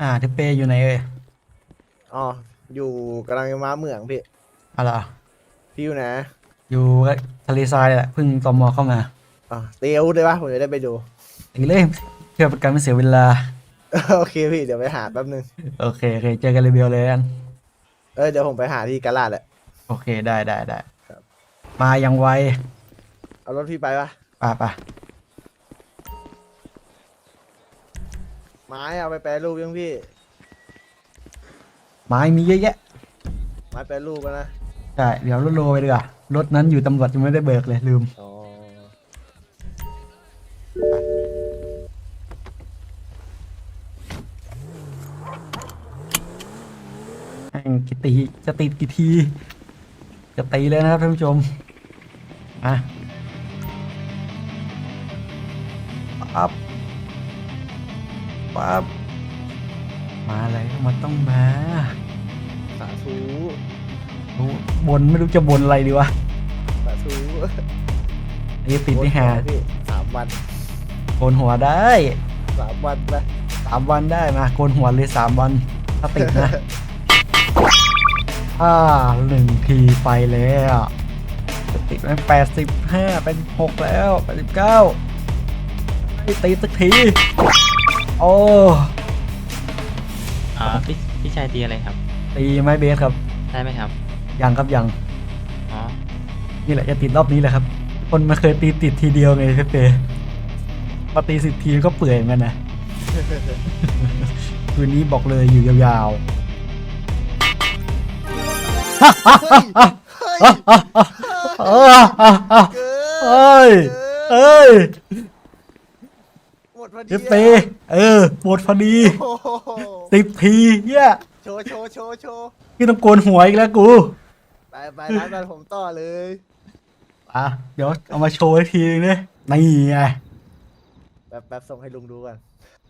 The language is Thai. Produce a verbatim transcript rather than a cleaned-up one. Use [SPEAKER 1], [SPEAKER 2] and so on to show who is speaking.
[SPEAKER 1] อ่าทิเปอยู่ไหนเอ่ย
[SPEAKER 2] อ๋ออยู่กำลังจะมาเหมืองพี่
[SPEAKER 1] อะไรอ
[SPEAKER 2] พี่อยู่ไหน
[SPEAKER 1] อยู่ทะเลทรายแหละเพิ่งตมเข้ามา
[SPEAKER 2] อ๋อเตียวได้ปะผมจะได้ไปดู
[SPEAKER 1] ตีเลยเพื่อเป็นการไม่เสียเวลา
[SPEAKER 2] โอเคพี่เดี๋ยวไปหาแป๊บนึง
[SPEAKER 1] โอเคโอเคเจอกันเรเบลเลยกัน
[SPEAKER 2] เออเดี๋ยวผมไปหาที่กาลาดแหละ
[SPEAKER 1] โอเคได้ได้ได้
[SPEAKER 2] ครับ
[SPEAKER 1] มายังไว
[SPEAKER 2] เอารถพี่ไปปะ
[SPEAKER 1] ป่ะป่ะ
[SPEAKER 2] ไม้เอาไปแปรรูปยังพี่
[SPEAKER 1] ไม้มีเยอะแยะ
[SPEAKER 2] ไม้แปรรูปกันนะ
[SPEAKER 1] ใช่เดี๋ยวรถโลไปดีกว่ารถนั้นอยู่ตำรวจยังไม่ได้เบิกเลยลืม
[SPEAKER 2] อ๋อ
[SPEAKER 1] แม่งกี่ตีจะติดกี่ทีจะตีเลยนะครับท่านผู้ชมอ่ะปั๊บปั๊บมาเลยมันต้องมา
[SPEAKER 2] สาธุ
[SPEAKER 1] รู้บนไม่รู้จะบนอะไรดีวะ
[SPEAKER 2] สาธุ
[SPEAKER 1] ไอ้ติดนี่หา
[SPEAKER 2] โอนหัวพี่สามวัน
[SPEAKER 1] โกนหัวได้
[SPEAKER 2] สามวันไป
[SPEAKER 1] สามวันได้มาโกนหัวเลยสามวันถ้าติดนะ อ่าหนึ่งทีไปแล้วจะติดไหมแปดสิบห้าเป็นหกแล้วแปดสิบเก้าไม่ติดสักทีโอ้
[SPEAKER 3] อ่าพี่พี่ชายตีอะไรครับ
[SPEAKER 1] ตีไม้เบสครับ
[SPEAKER 3] ได้ไหมครับ
[SPEAKER 1] ยังครับยัง
[SPEAKER 3] อ๋อ
[SPEAKER 1] นี่แหละจะติดรอบนี้แหละครับ คนมาเคยตีติดทีเดียวไงเป๊ะมาตีสิบทีก็เปื่อยเหมือนกันนะ คืนนี้บอกเลยอยู่ยาวๆ
[SPEAKER 2] เฮ้ยเฮ้ยเกิน
[SPEAKER 1] เอ้ย
[SPEAKER 2] เกิน
[SPEAKER 1] เอ้ย
[SPEAKER 2] หมดพอดี
[SPEAKER 1] เอฟเปเออหมดพอดี
[SPEAKER 2] โอ้โห
[SPEAKER 1] สิบทีเฮีย
[SPEAKER 2] โชว์โชว์โชว์โชว์
[SPEAKER 1] พี่ต้องโกนหัวอีกแล้วกู
[SPEAKER 2] ไปไปร้านกันผมต่อเลย
[SPEAKER 1] อ่ะเดี๋ยวเอามาโชว์อีกทีนึงเนี่ยนี่ไง
[SPEAKER 2] แป๊บแป๊บส่งให้ลุงดูก่อน